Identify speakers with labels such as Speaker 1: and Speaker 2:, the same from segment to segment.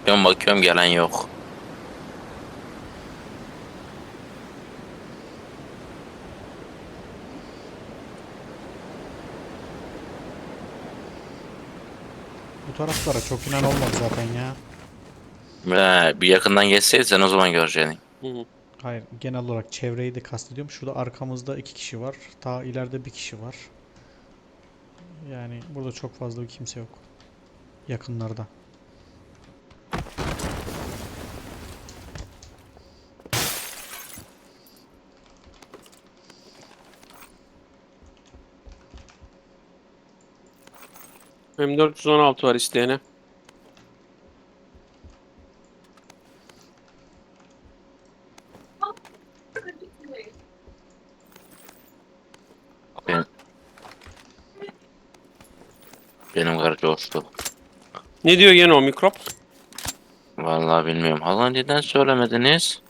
Speaker 1: Bakıyorum gelen yok.
Speaker 2: Bu taraflara çok inen olmadı zaten ya.
Speaker 1: Bir yakından geçseysen o zaman göreceksin.
Speaker 3: Hı hı.
Speaker 2: Hayır, genel olarak çevreyi de kastediyorum. Şurada arkamızda iki kişi var. Ta ileride bir kişi var. Yani burada çok fazla bir kimse yok. Yakınlarda.
Speaker 3: M416 var isteyene.
Speaker 1: Benim, benim karı coştu.
Speaker 3: Ne diyor gene o mikrop?
Speaker 1: Vallahi bilmiyorum. Hala neden söylemediniz?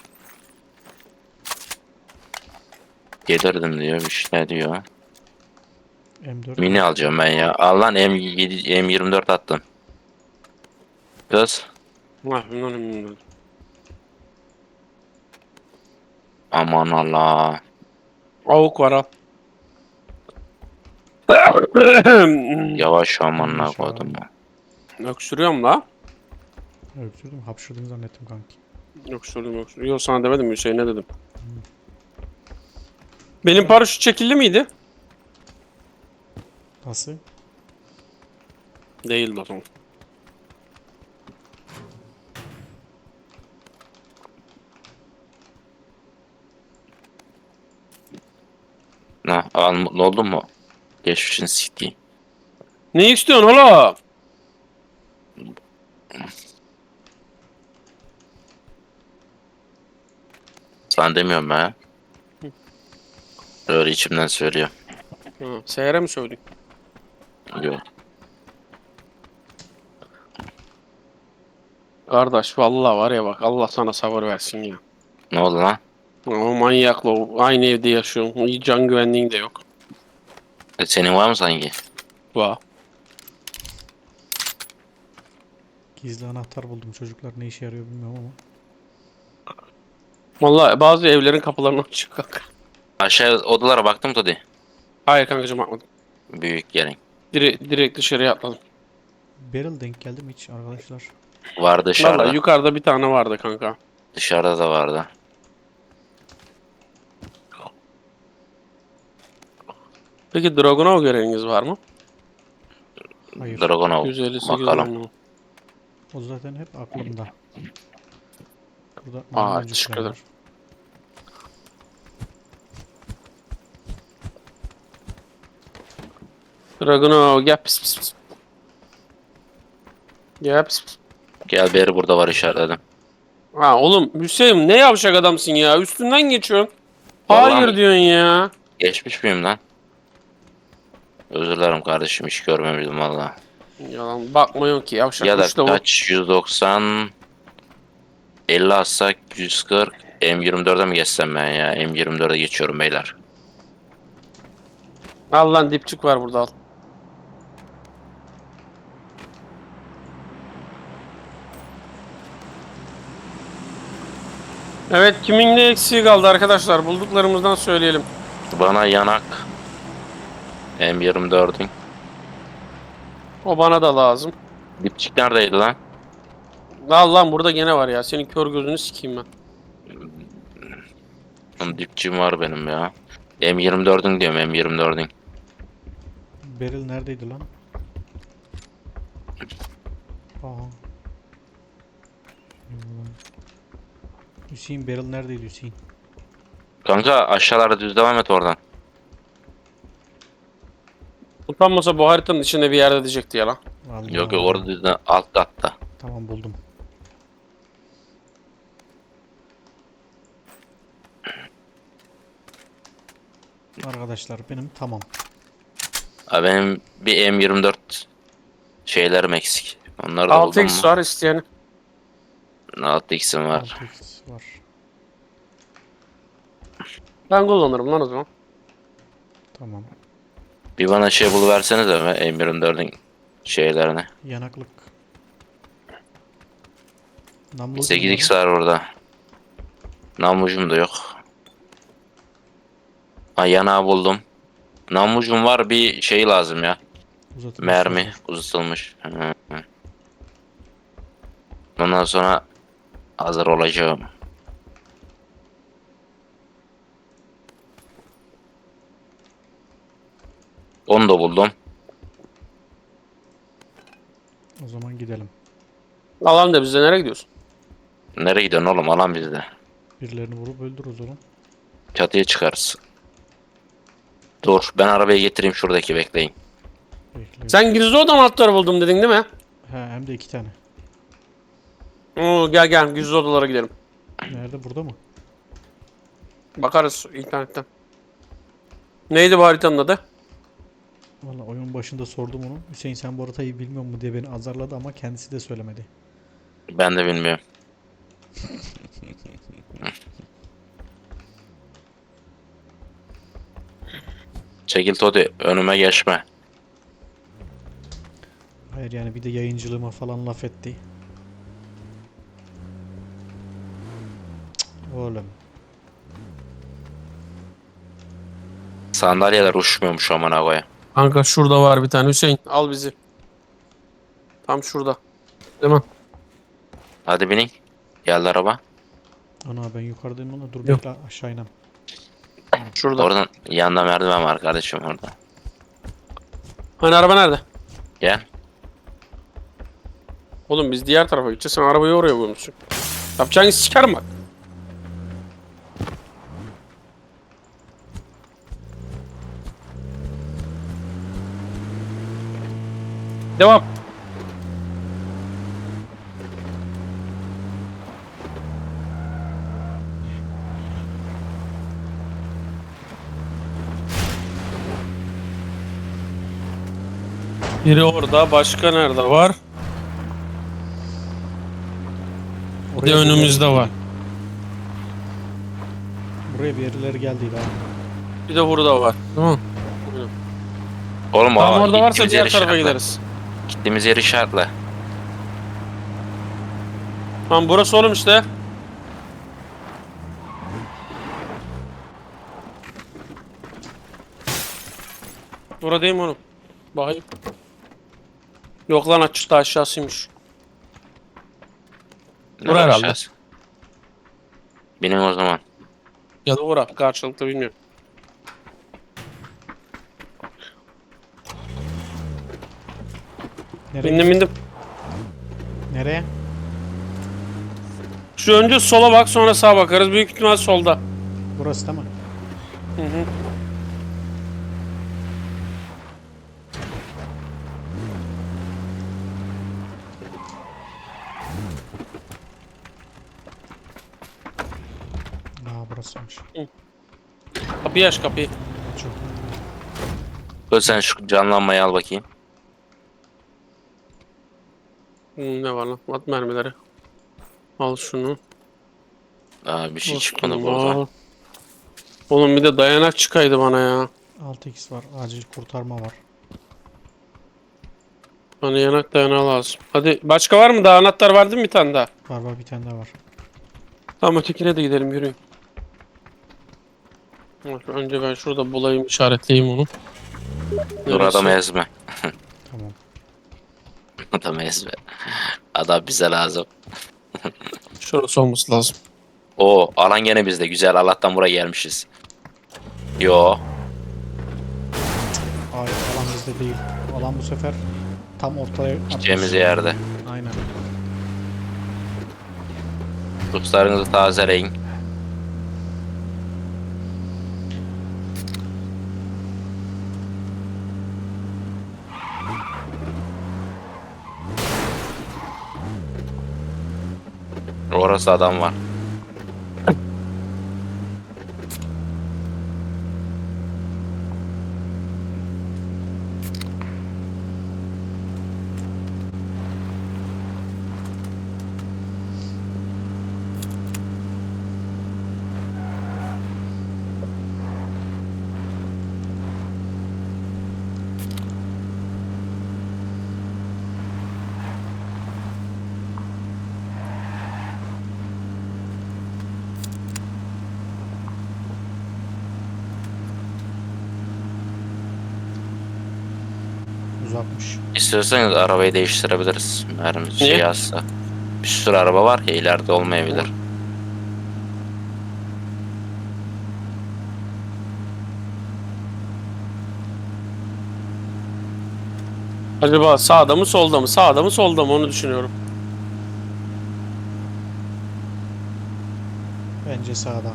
Speaker 1: Gelirdim diyor, bir şey diyor.
Speaker 2: M4
Speaker 1: Mini
Speaker 2: mü?
Speaker 1: alacağım ben ya. Allah'ın M24 attım. Kız.
Speaker 3: Ah, bilmiyorum.
Speaker 1: Aman Allah.
Speaker 3: Avuk var al.
Speaker 1: Yavaş
Speaker 2: İn
Speaker 1: aman
Speaker 2: aşağı.
Speaker 1: koydum.
Speaker 3: Öksürüyorum la.
Speaker 2: Öksürdüm. Hapşırdın zannettim kanki.
Speaker 3: Öksürdüm. Yok sana demedim Hüseyin'e dedim. Benim paraşüt çekildi miydi?
Speaker 2: Nasıl?
Speaker 3: Değildi o zaman.
Speaker 1: Mutlu oldun mu? Geçmişin siktiği.
Speaker 3: Ne istiyorsun oğlum?
Speaker 1: Sana demiyorum ben. Öyle içimden söylüyor.
Speaker 3: Ha, Seher'e mi söyledin?
Speaker 1: Yok.
Speaker 3: Kardeş vallahi var ya bak Allah sana sabır versin ya.
Speaker 1: Ne oldu lan?
Speaker 3: O manyakla aynı evde yaşıyorsun. Hiç can güvenliğin de yok.
Speaker 1: Senin var mı sanki?
Speaker 3: Va.
Speaker 2: Gizli anahtar buldum. Çocuklar ne işe yarıyor bilmiyorum ama.
Speaker 3: Vallahi bazı evlerin kapılarını açık kanka.
Speaker 1: Aşağı odalara baktım Todi.
Speaker 3: Hayır kankacığım bakmadım.
Speaker 1: Büyük gelin.
Speaker 3: Direkt dışarıya atladım.
Speaker 2: Beryl denk geldi mi hiç arkadaşlar?
Speaker 1: Var
Speaker 3: Vallahi
Speaker 1: dışarıda.
Speaker 3: yukarıda bir tane vardı kanka.
Speaker 1: Dışarıda da vardı.
Speaker 3: Peki Dragunov göreviniz var mı?
Speaker 2: Hayır.
Speaker 1: Dragonov.
Speaker 3: 158
Speaker 1: Bakalım.
Speaker 3: onu.
Speaker 2: O zaten hep aklımda. Burada
Speaker 3: Aa
Speaker 2: maymuncuklar
Speaker 3: teşekkür ederim.
Speaker 2: var.
Speaker 3: Dragunov gel pis pis pis. Gel pis pis.
Speaker 1: Gel beri burada var işaretledim.
Speaker 3: Ha oğlum Hüseyin ne yavşak adamsın ya. Üstünden geçiyorsun.
Speaker 1: Vallahi
Speaker 3: Hayır
Speaker 1: mi?
Speaker 3: diyorsun ya.
Speaker 1: Geçmiş miyim lan? Özür dilerim kardeşim, hiç görmemiştim valla.
Speaker 3: Yalan bakmıyor ki yavşak.
Speaker 1: Ya da
Speaker 3: Uç lavuk.
Speaker 1: kaç? 190 50 atsak 140 M24'e mi geçsem ben ya? M24'e geçiyorum beyler.
Speaker 3: Al lan dipçik var burada al. Evet kimin ne eksiği kaldı arkadaşlar bulduklarımızdan söyleyelim.
Speaker 1: Bana yanak M24'ün.
Speaker 3: O bana da lazım.
Speaker 1: Dipçik neredeydi lan?
Speaker 3: Al lan burada gene var ya senin kör gözünü sikeyim ben.
Speaker 1: Dipçiğim var benim ya. M24'ün diyorum, M24'ün.
Speaker 2: Beryl neredeydi lan? Aha. Hüseyin Beryl neredeydi Hüseyin?
Speaker 1: Kanka aşağılara düz devam et oradan.
Speaker 3: Utanmasa bu haritanın içinde bir yerde diyecekti ya lan.
Speaker 1: Yok
Speaker 2: Allah.
Speaker 1: yok, orada düz alt katta.
Speaker 2: Tamam buldum. Arkadaşlar benim tamam.
Speaker 1: Ha, benim bir M24 şeylerim eksik. Onları da buldum
Speaker 3: 6x
Speaker 1: mu?
Speaker 3: var isteyen.
Speaker 1: 6x'im var.
Speaker 2: 6x var.
Speaker 3: Ben kullanırım lan o zaman.
Speaker 2: Tamam.
Speaker 1: Bir bana şey buluversenize be M24'ün şeylerini.
Speaker 2: Yanaklık. Namlucum
Speaker 1: 8x
Speaker 2: var.
Speaker 1: var orada. Namlucum da yok. Ha, yanağı buldum. Namlucum var, bir şey lazım ya.
Speaker 2: Uzatılmış
Speaker 1: Mermi
Speaker 2: şarjör.
Speaker 1: uzatılmış. Hı. Ondan sonra hazır olacağım. Onu da buldum.
Speaker 2: O zaman gidelim.
Speaker 3: Alan da bizde, nereye gidiyorsun?
Speaker 1: Nereye gidiyorsun oğlum? Alan bizde.
Speaker 2: Birilerini vurup öldürürüz oğlum.
Speaker 1: Çatıya çıkarız. Dur, ben arabayı getireyim, şuradaki bekleyin.
Speaker 2: Bekle.
Speaker 3: Sen gizli oda anahtarı buldum dedin değil mi?
Speaker 2: He, hem de 2 tane.
Speaker 3: Oo, gel gel gizli odalara gidelim.
Speaker 2: Nerede? Burada mı?
Speaker 3: Bakarız internetten. Neydi bu haritanın adı?
Speaker 2: Valla oyun başında sordum onu. Hüseyin sen bu haritayı bilmiyor mu diye beni azarladı ama kendisi de söylemedi.
Speaker 1: Ben de bilmiyorum. Çekil Todi, önüme geçme.
Speaker 2: Hayır yani bir de yayıncılığıma falan laf etti. Cık, oğlum.
Speaker 1: Sandalyeler uçmuyormuş amına koyayım.
Speaker 3: Kanka şurada var bir tane, Hüseyin al bizi. Tam şurada. Değil mi?
Speaker 1: Hadi binin. Geldi araba.
Speaker 2: Ana ben yukarıdayım ama dur
Speaker 3: Yok.
Speaker 2: bekle aşağı inem.
Speaker 3: Şurada.
Speaker 1: Oradan yanında merdiven var kardeşim orada.
Speaker 3: Hani araba nerede?
Speaker 1: Gel.
Speaker 3: Oğlum biz diğer tarafa gideceğiz. Sen arabayı oraya koymuşsun. Yapacağını sikerim bak. Devam. Biri orada, başka nerede var? Bir de
Speaker 2: Oraya
Speaker 3: önümüzde var.
Speaker 2: Buraya bir yerleri geldiydi abi.
Speaker 3: Bir de burada var. Tamam.
Speaker 1: Oğlum
Speaker 3: Tamam, orada varsa
Speaker 1: gittiğimiz
Speaker 3: diğer
Speaker 1: yeri
Speaker 3: tarafa
Speaker 1: işaretle.
Speaker 3: gideriz.
Speaker 1: Gittiğimiz yeri işaretle.
Speaker 3: Tamam, burası oğlum işte. Burada değil mi oğlum? Bakayım. Yok lan, açıkta aşağısıymış.
Speaker 1: Nereye
Speaker 3: herhalde.
Speaker 1: aşağısı? Binin o zaman.
Speaker 3: Ya da ora. Karşılıklı bilmiyorum.
Speaker 2: Nereye?
Speaker 3: Bindim bindim.
Speaker 2: Nereye?
Speaker 3: Şu önce sola bak, sonra sağa bakarız. Büyük ihtimal solda.
Speaker 2: Burası değil mi?
Speaker 3: Hı hı.
Speaker 2: Aa burasıymış.
Speaker 3: Kapıyı aç, kapıyı.
Speaker 2: Çok.
Speaker 1: Dur, sen şu canlanmayı al bakayım.
Speaker 3: Ne var lan? At mermileri. Al şunu.
Speaker 1: Aa, bir şey
Speaker 3: Al
Speaker 1: çıkmadı
Speaker 3: şunu,
Speaker 1: burada.
Speaker 3: al. Oğlum bir de dayanak çıkaydı bana ya.
Speaker 2: 6x var. Acil kurtarma var.
Speaker 3: Bana yanak dayanağı lazım. Hadi başka var mı? Daha anahtar vardı mı bir tane daha?
Speaker 2: Var var bir tane daha var.
Speaker 3: Tamam, ötekine de gidelim, yürüyün. Bak, önce ben şurada bulayım, işaretleyeyim onu.
Speaker 1: Dur,
Speaker 3: Neresi?
Speaker 1: adamı ezme.
Speaker 2: Tamam.
Speaker 1: Adamı ezme. Adam bize lazım.
Speaker 3: Şurası olması lazım.
Speaker 1: O alan gene bizde. Güzel, Allah'tan buraya gelmişiz. Yo.
Speaker 2: Hayır alan bizde değil. Alan bu sefer tam ortaya atmış.
Speaker 1: Gideceğimiz yerde.
Speaker 2: Aynen.
Speaker 1: Ruslarınızı tazeleyin. Orası adam var.
Speaker 2: Uzakmış.
Speaker 1: İstiyorsanız arabayı değiştirebiliriz. Mermimiz
Speaker 3: Niye?
Speaker 1: şey yazsa. Bir sürü araba var ya, ileride olmayabilir.
Speaker 3: Acaba sağda mı solda mı? Sağda mı solda mı onu düşünüyorum.
Speaker 2: Bence sağda.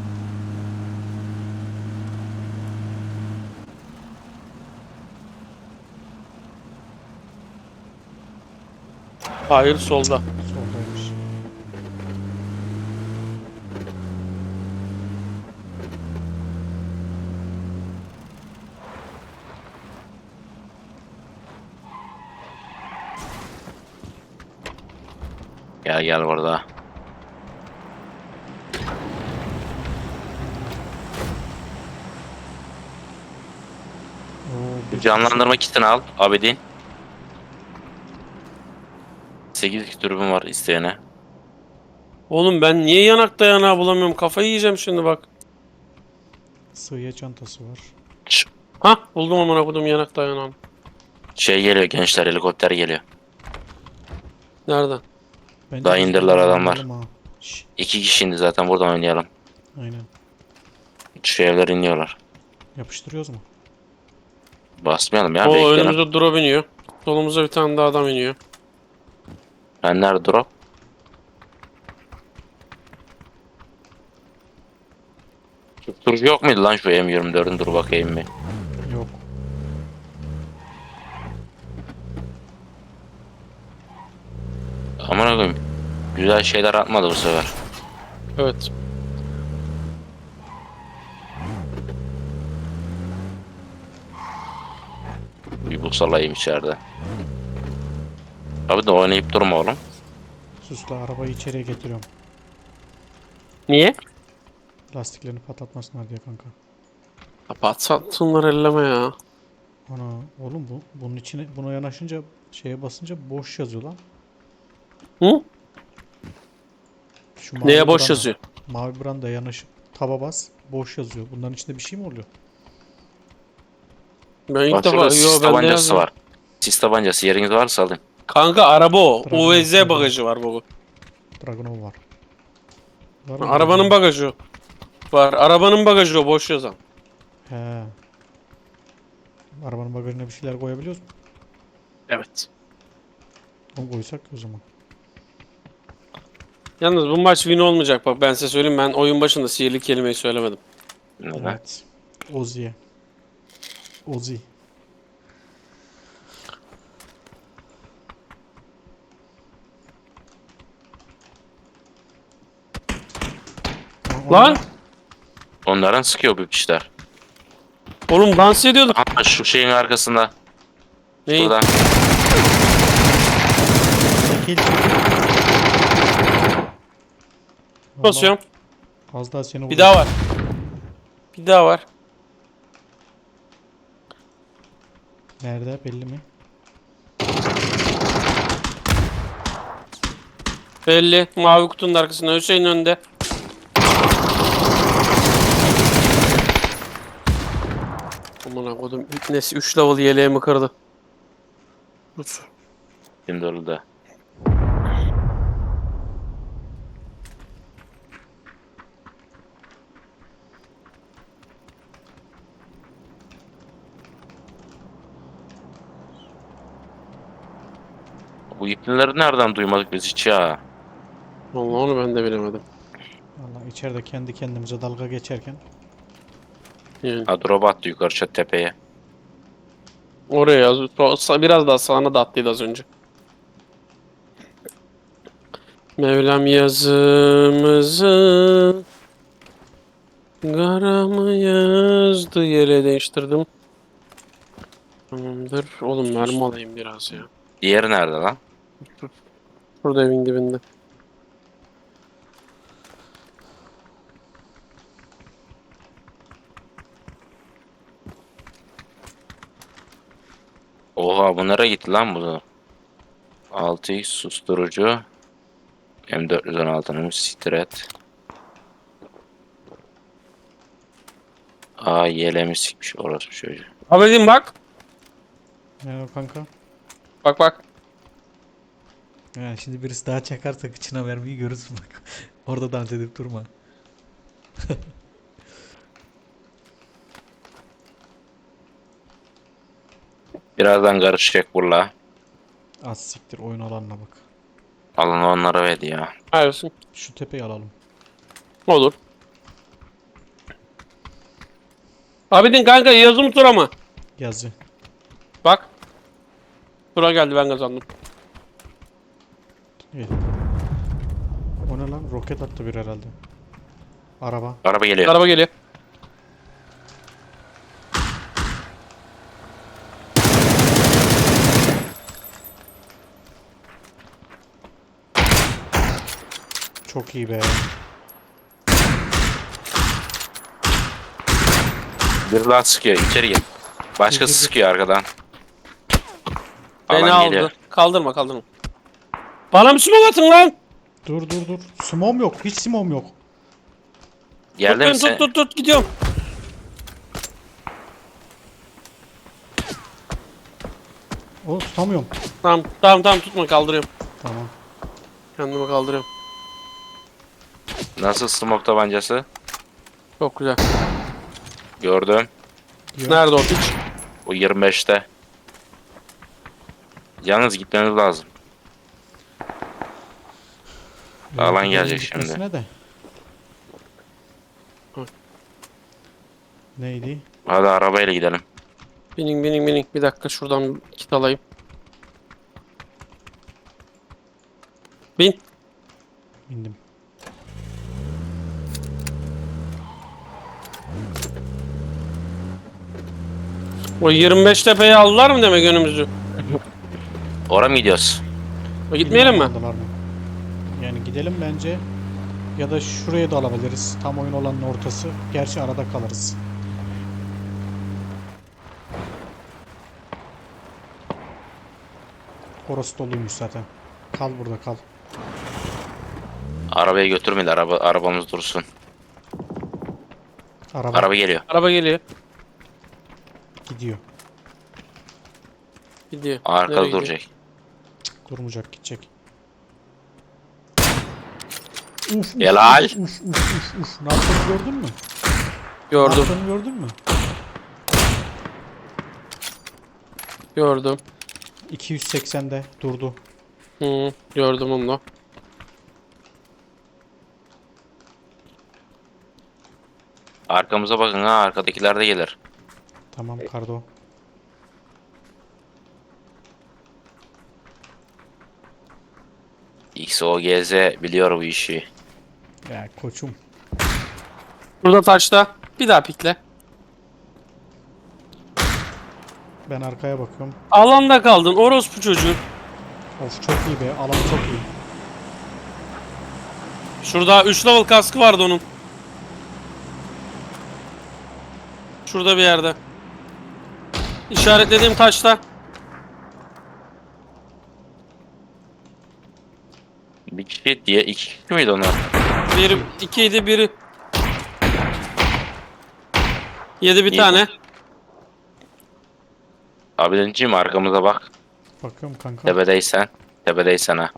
Speaker 3: Hayır solda.
Speaker 2: Soldaymış.
Speaker 1: Gel gel burada.
Speaker 2: Oo, bir
Speaker 1: Canlandırma kitini al Abidin. 8 türbüm var isteyene.
Speaker 3: Oğlum ben niye yanak dayanağı bulamıyorum? Kafayı yiyeceğim şimdi bak.
Speaker 2: sığıya çantası var.
Speaker 1: Ş-
Speaker 3: Hah buldum amına kodum yanak dayanağını.
Speaker 1: Şey geliyor gençler, helikopter geliyor.
Speaker 3: Nereden?
Speaker 2: Bence
Speaker 1: Daha
Speaker 2: biz
Speaker 1: indirdiler
Speaker 2: buradan
Speaker 1: adamlar.
Speaker 2: oynayalım ha. Şş,
Speaker 1: 2 kişi indi zaten, buradan oynayalım.
Speaker 2: aynen.
Speaker 1: Şu evler iniyorlar.
Speaker 2: Yapıştırıyoruz mu?
Speaker 1: Basmayalım ya,
Speaker 3: O
Speaker 1: bekleyelim.
Speaker 3: önümüzde drop iniyor. Solumuza bir tane daha adam iniyor.
Speaker 1: Ben nerede drop? Susturucu yok muydu lan şu M24'ün, dur bakayım bir.
Speaker 2: Yok.
Speaker 1: Aman koyayım. Güzel şeyler atmadı bu sefer.
Speaker 3: Evet.
Speaker 1: Bir bu salayım içeride. Abi de oynayıp durma oğlum.
Speaker 2: Susla, arabayı içeriye getiriyorum.
Speaker 3: Niye?
Speaker 2: Lastiklerini patlatmasınlar diye kanka.
Speaker 3: Kapat satsınlar elleme ya.
Speaker 2: Ana oğlum bunun içine buna yanaşınca şeye basınca boş yazıyor lan.
Speaker 3: Hı?
Speaker 2: Şu mavi
Speaker 3: Neye boş
Speaker 2: branda-
Speaker 3: yazıyor?
Speaker 2: Mavi branda yanaşıp taba bas, boş yazıyor. Bunların içinde bir şey mi oluyor?
Speaker 3: Ben ilk
Speaker 1: Bak
Speaker 3: defa
Speaker 1: şurada sis
Speaker 3: yo bende
Speaker 1: tabancası
Speaker 3: yazıyor.
Speaker 1: var. Sis tabancası, yeriniz varsa alayım.
Speaker 3: Kanka araba o.
Speaker 2: Dragon,
Speaker 3: OVZ
Speaker 2: Dragon.
Speaker 3: bagajı var baba.
Speaker 2: Dragunov var. Var mı
Speaker 3: Arabanın
Speaker 2: Dragunov?
Speaker 3: bagajı o. Var. Arabanın bagajı o boş yazan.
Speaker 2: He. Arabanın bagajına bir şeyler koyabiliyoruz mu?
Speaker 3: Evet.
Speaker 2: Onu koysak o zaman.
Speaker 3: Yalnız bu maç win olmayacak bak ben size söyleyeyim ben oyun başında sihirli kelimeyi söylemedim.
Speaker 1: Neden?
Speaker 2: Evet. Ozi'ye. Ozi.
Speaker 3: Lan!
Speaker 1: Onların sıkıyor bu kişiler.
Speaker 3: Oğlum dans ediyorduk.
Speaker 1: Aha şu şeyin arkasında.
Speaker 3: Neyin?
Speaker 1: Burada.
Speaker 2: Çekil.
Speaker 3: Basıyorum.
Speaker 2: Az daha seni
Speaker 3: Bir daha var. Bir daha var.
Speaker 2: Nerede belli mi?
Speaker 3: Belli. Mavi kutunun arkasında. Hüseyin önde. Aman kodum. İpnesi 3 level yeleğimi kırdı. Tut.
Speaker 1: Şimdi orada. Bu iplileri nereden duymadık biz hiç ya?
Speaker 3: Vallahi onu ben de bilemedim.
Speaker 2: Vallahi içeride kendi kendimize dalga geçerken
Speaker 3: Yani.
Speaker 1: Ha, drop attı yukarı tepeye.
Speaker 3: Oraya yaz. Biraz daha sağına da attıydı az önce. Mevlam yazımızı kara mı yazdı yere değiştirdim. Tamamdır. Oğlum mermi alayım biraz ya.
Speaker 1: Diğeri nerede lan?
Speaker 3: Burada evin dibinde.
Speaker 1: Oha, bu nereye gitti lan bu? 6x susturucu. M416'nın stret. Aa, yelemi sikmiş orası çocuğu.
Speaker 3: Abicim bak.
Speaker 2: Ne o kanka?
Speaker 3: Bak bak.
Speaker 2: Yani şimdi birisi daha çakarsa kıçına vermeyi görürsün bak. Orada dans edip durma.
Speaker 1: Birazdan karışacak burla.
Speaker 2: Az siktir oyun alanına bak.
Speaker 1: Alın onlara ver ya.
Speaker 3: Hayırsın.
Speaker 2: Şu tepeyi alalım.
Speaker 3: Olur. Abidin kanka yazı mı tura mı?
Speaker 2: Yazı.
Speaker 3: Bak. Tura geldi ben kazandım.
Speaker 2: İyi. O ne lan? Roket attı bir herhalde. Araba.
Speaker 1: Araba geliyor.
Speaker 3: Araba geliyor.
Speaker 2: Çok iyi be.
Speaker 1: Bir daha sıkıyor. İçeri gel. Başkası
Speaker 2: Dur.
Speaker 1: sıkıyor arkadan.
Speaker 3: Beni
Speaker 1: Alan
Speaker 3: aldı.
Speaker 1: geliyor.
Speaker 3: Kaldırma kaldırma. Bana bir smoke atın lan.
Speaker 2: Dur. Simom yok. Hiç simom yok.
Speaker 3: Tut
Speaker 1: Geldi
Speaker 3: beni
Speaker 1: mi sen?
Speaker 3: tut gidiyorum.
Speaker 2: O tutamıyorum.
Speaker 3: Tamam tutma kaldırıyorum.
Speaker 2: Tamam.
Speaker 3: Kendimi kaldırıyorum.
Speaker 1: Nasıl smoke tabancası?
Speaker 3: Çok güzel.
Speaker 1: Gördüm.
Speaker 2: Diyor.
Speaker 3: Nerede o piç?
Speaker 1: O 25'te. Yalnız gitmeniz lazım. Alan gelecek şimdi.
Speaker 2: Gitmesine de.
Speaker 3: Hı.
Speaker 2: Neydi?
Speaker 1: Hadi arabayla gidelim.
Speaker 3: Binin. Bir dakika şuradan kit alayım. Bin.
Speaker 2: Bindim.
Speaker 3: O 25 tepeyi aldılar mı demek önümüzü?
Speaker 1: Oraya mı gidiyoruz?
Speaker 3: Gitmeyelim mi?
Speaker 2: Aldılar mı? Yani gidelim bence. Ya da şuraya da alabiliriz. Tam oyun olanın ortası. Gerçi arada kalırız. Orası doluymuş zaten. Kal burada kal.
Speaker 1: Arabayı götürmeyin. Arabamız dursun.
Speaker 2: Araba
Speaker 1: Araba geliyor.
Speaker 3: Araba geliyor.
Speaker 2: gidiyor.
Speaker 3: Gidiyor.
Speaker 1: Arkada
Speaker 3: Nereye gidiyor?
Speaker 1: duracak.
Speaker 2: Durmayacak gidecek. Uf,
Speaker 1: Helal.
Speaker 2: uf. Ne yaptığını gördün mü? Ne
Speaker 3: Gördüm.
Speaker 2: yaptığını gördün mü?
Speaker 3: Gördüm.
Speaker 2: 280'de durdu.
Speaker 3: Gördüm onu da.
Speaker 1: Arkamıza bakın ha. Arkadakiler de gelir.
Speaker 2: Tamam Kardo.
Speaker 1: XOGZ biliyor bu işi.
Speaker 2: Ya koçum.
Speaker 3: Burada taşta. Bir daha pikle.
Speaker 2: Ben arkaya bakıyorum.
Speaker 3: Alanda kaldın orospu çocuğu.
Speaker 2: Of çok iyi be. Alan çok iyi.
Speaker 3: Şurada 3 level kaskı vardı onun. Şurada bir yerde. İşaretlediğim taşta.
Speaker 1: Bir kişi diye iki kişi miydi onlar?
Speaker 3: Biri 2 idi biri. Yedi bir
Speaker 1: İyi.
Speaker 3: tane.
Speaker 1: Abilenciğim arkamıza bak.
Speaker 2: Bakıyorum kanka.
Speaker 1: Tepedeysen. Tepedeysen ha.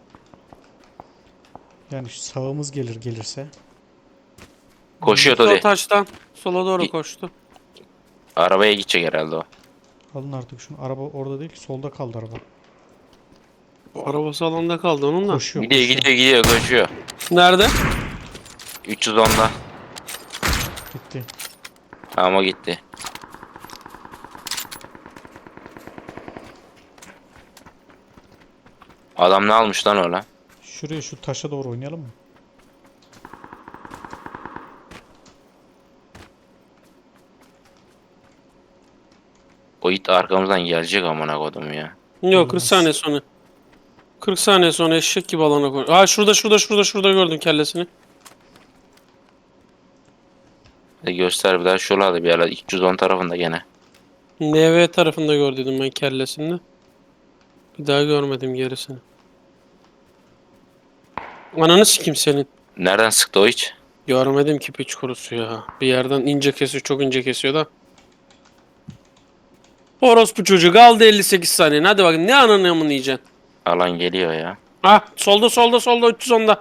Speaker 2: Yani şu sağımız gelirse.
Speaker 1: Koşuyor
Speaker 3: Sol
Speaker 1: Todi.
Speaker 3: taştan sola doğru
Speaker 1: İ-
Speaker 3: koştu.
Speaker 1: Arabaya gidecek herhalde o.
Speaker 2: Alın artık şunu. Araba orada değil. Solda kaldı araba.
Speaker 3: Arabası alanda kaldı onun da.
Speaker 2: Koşuyor.
Speaker 1: Gidiyor koşuyor.
Speaker 3: Nerede?
Speaker 1: 310'da.
Speaker 2: Gitti.
Speaker 1: Ama gitti. Adam ne almış lan öyle?
Speaker 2: Şuraya şu taşa doğru oynayalım mı?
Speaker 1: O it arkamızdan gelecek amına kodum ya.
Speaker 3: Yok 40 saniye sonra. 40 saniye sonra eşek gibi alana koy. Aa şurada gördüm kellesini.
Speaker 1: Göster bir daha şuralarda bir yerler 310 tarafında gene.
Speaker 3: NV tarafında gördüm ben kellesini. Bir daha görmedim gerisini. Ananı sikim senin.
Speaker 1: Nereden sıktı o hiç?
Speaker 3: Görmedim ki piç kurusu ya. Bir yerden ince kesiyor, çok ince kesiyor da. Orospu çocuğu kaldı 58 saniye. Hadi bakın ne ananı amını yiyeceksin.
Speaker 1: Alan geliyor ya.
Speaker 3: Ha solda 310'da.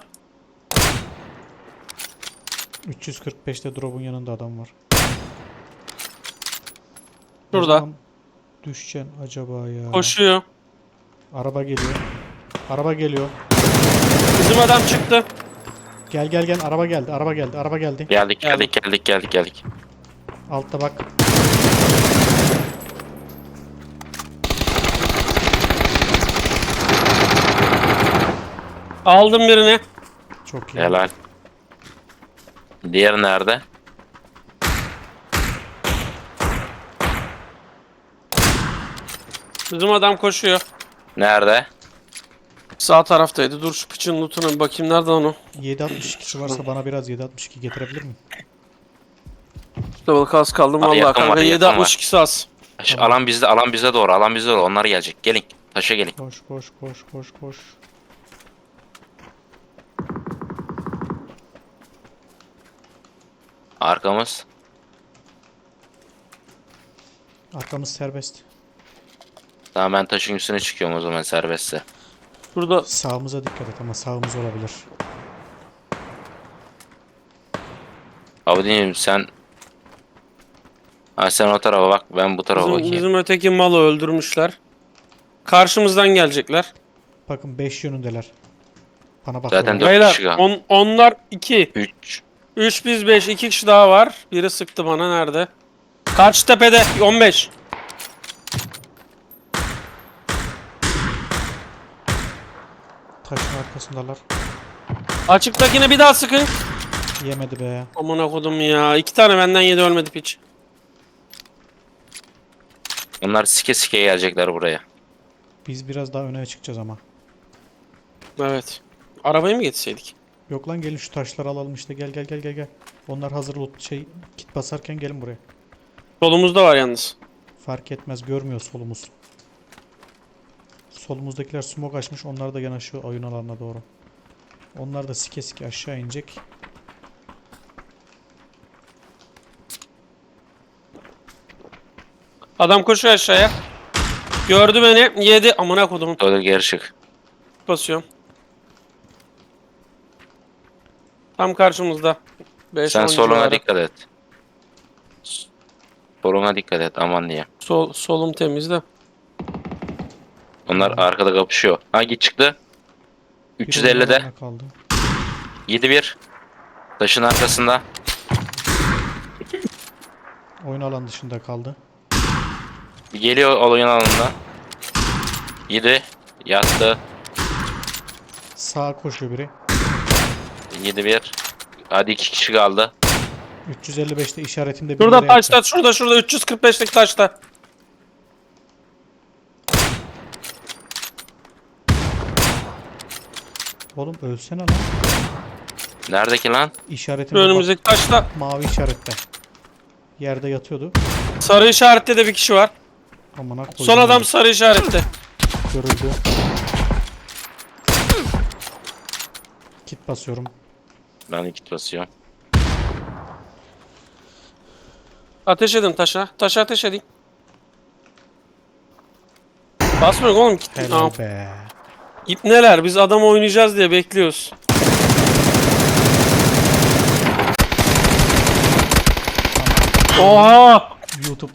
Speaker 2: 345'te drop'un yanında adam var. Ne
Speaker 3: Şurada.
Speaker 2: zaman düşeceksin acaba ya?
Speaker 3: Koşuyor.
Speaker 2: Araba geliyor. Araba geliyor.
Speaker 3: Bizim adam çıktı.
Speaker 2: Gel gel gel, araba geldi, araba geldi, araba geldi.
Speaker 1: Geldik.
Speaker 2: Altta bak.
Speaker 3: Aldım birini.
Speaker 2: Çok iyi.
Speaker 1: Helal. Diğer nerede?
Speaker 3: Bizim adam koşuyor.
Speaker 1: Nerede?
Speaker 3: Sağ taraftaydı. Dur şu piçin lootuna bir bakayım. Nerede onu?
Speaker 2: 7.62'si varsa bana biraz 7.62 getirebilir mi?
Speaker 3: Level kas kaldım
Speaker 1: Abi
Speaker 3: vallahi
Speaker 1: yakın
Speaker 3: kanka.
Speaker 1: var, yakın var.
Speaker 3: 7.62 az.
Speaker 2: Tamam.
Speaker 1: Alan bize doğru. Onlar gelecek. Gelin. Taşa gelin.
Speaker 2: Koş koş koş koş koş.
Speaker 1: Arkamız.
Speaker 2: Arkamız serbest.
Speaker 1: Tamam ben taşın üstüne çıkıyorum o zaman serbestse.
Speaker 3: Burada
Speaker 2: Sağımıza dikkat et ama sağımız olabilir.
Speaker 1: Abi diyeyim sen. Ha sen o tarafa bak ben bu tarafa bakayım.
Speaker 3: bizim öteki malı öldürmüşler. Karşımızdan gelecekler.
Speaker 2: Bakın 5 yönündeler. Bana bak.
Speaker 1: Zaten
Speaker 2: oraya.
Speaker 1: dört
Speaker 3: Beyler
Speaker 1: kişi kaldı.
Speaker 3: onlar 2.
Speaker 1: 3.
Speaker 3: 3 biz 5. 2 kişi daha var. Biri sıktı bana nerede? Karşı tepede 15.
Speaker 2: Taşın arkasındalar.
Speaker 3: Açıktakine bir daha sıkın.
Speaker 2: Yemedi be.
Speaker 3: Amına kodum ya. 2 tane benden yedi ölmedi piç.
Speaker 1: Onlar sike gelecekler buraya.
Speaker 2: Biz biraz daha öne çıkacağız ama.
Speaker 3: Evet. Arabayı mı getirseydik?
Speaker 2: Yok lan, gelin şu taşları alalım işte, gel gel gel gel gel. Onlar hazır loot kit basarken gelin buraya.
Speaker 3: Solumuzda var yalnız.
Speaker 2: Fark etmez, görmüyor solumuz. Solumuzdakiler smoke açmış, onlar da yanaşıyor oyun alanına doğru. Onlar da sike aşağı inecek.
Speaker 3: Adam koşuyor aşağıya. Gördü beni. Yedi. Amına kodumun.
Speaker 1: Öyle geri çık.
Speaker 3: Basıyorum. Tam karşımızda. 5
Speaker 1: Sen soluna dikkat et. Soluna dikkat et aman diye.
Speaker 3: Solum temizde.
Speaker 1: Onlar arkada kapışıyor. Hangi çıktı?
Speaker 2: Bir
Speaker 1: 350'de.
Speaker 2: oyun alanına kaldı.
Speaker 1: 7-1. Taşın arkasında.
Speaker 2: Oyun alan dışında kaldı.
Speaker 1: Geliyor oyun alanına. 7. Yattı.
Speaker 2: Sağa koşuyor biri.
Speaker 1: 7-1. Hadi 2 kişi kaldı.
Speaker 2: 355'te işaretimde bir
Speaker 3: Şurada
Speaker 2: yere
Speaker 3: taşta.
Speaker 2: yattı.
Speaker 3: Şurada 345'lik taşta.
Speaker 2: Oğlum ölsene lan.
Speaker 1: Neredeki lan?
Speaker 2: İşaretimde bak,
Speaker 3: Önümüzdeki taşta.
Speaker 2: mavi işarette. Yerde yatıyordu.
Speaker 3: Sarı işarette de bir kişi var.
Speaker 2: Amına koydum.
Speaker 3: Son adam sarı işarette.
Speaker 2: görüldü. Kit basıyorum.
Speaker 1: Ben kit basıyorum.
Speaker 3: Ateş edin taşa. Taşa ateş edin. Basmıyor oğlum.
Speaker 2: Helal be.
Speaker 3: İpneler. Biz adam oynayacağız diye bekliyoruz. Oha!
Speaker 2: YouTube